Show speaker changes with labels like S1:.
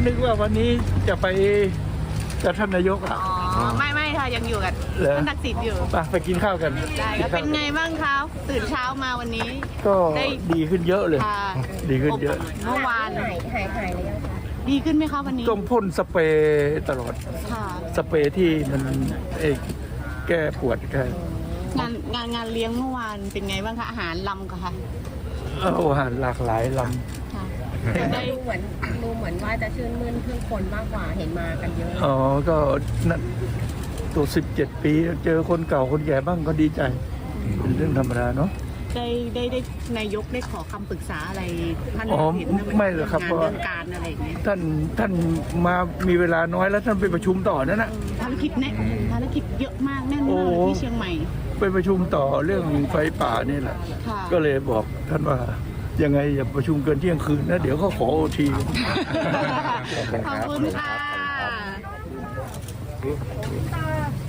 S1: นึกว่าวันนี้จะไปกับท่านนายกอ่ะ
S2: อ๋อไม่ค่ะยังอยู่กับ
S1: เหรอ
S2: ท่านทักษิณอยู่
S1: ไปกินข้าวกัน
S2: ได้ครับเป็นไงบ้างคะตื่นเช้ามาวันนี้
S1: ก็
S2: ได้
S1: ดีขึ้นเยอะเลย
S2: ค่ะ
S1: ดีขึ้นเยอะ
S2: เมื่อวาน
S3: หายเลยยังคะ
S2: ดีขึ้นไหมคะวันนี้
S1: ต้องพ่นสเปรย์ตลอด
S2: ค่ะ
S1: สเปรย์ที่มันแก้ปวดแก้
S2: งานเลี้ยงเมื่อวานเป็นไงบ้างคะอาหารลำค่ะ
S1: อาหารหลากหลายล
S2: ค่ะ
S3: ได้ดูเหมือนว่าจะชื่นมื่นเพื่อคนมากกว่าเห็นมากันเยอะ
S1: ำก็นั่นตัว17 ปีเจอคนเก่าคนแก่บ้างก็ดีใจ เป็นเรื่องธรรมดาเนาะ
S2: ได้นายกได้ขอคำปรึกษาอะไรท่าน
S1: อ๋อ
S2: เห็นนะ
S1: ไม่หรอกครับ
S2: งาน
S1: เพราะ
S2: เรื่องการอะไรอย่างเงี้ย
S1: ท่านมามีเวลาน้อยแล้วท่านไปประชุมต่อนั่นนะ
S2: ภารกิจเยอะมากแน่นมากเลยที่เชียงใหม่
S1: ไปประชุมต่อเรื่องไฟป่านี่แหละ
S2: ค่ะ
S1: ก็เลยบอกท่านว่ายังไงอย่าประชุมเกินเที่ยงคืนนะเดี๋ยวเขาขอโอที
S2: ขอบคุณค่ะ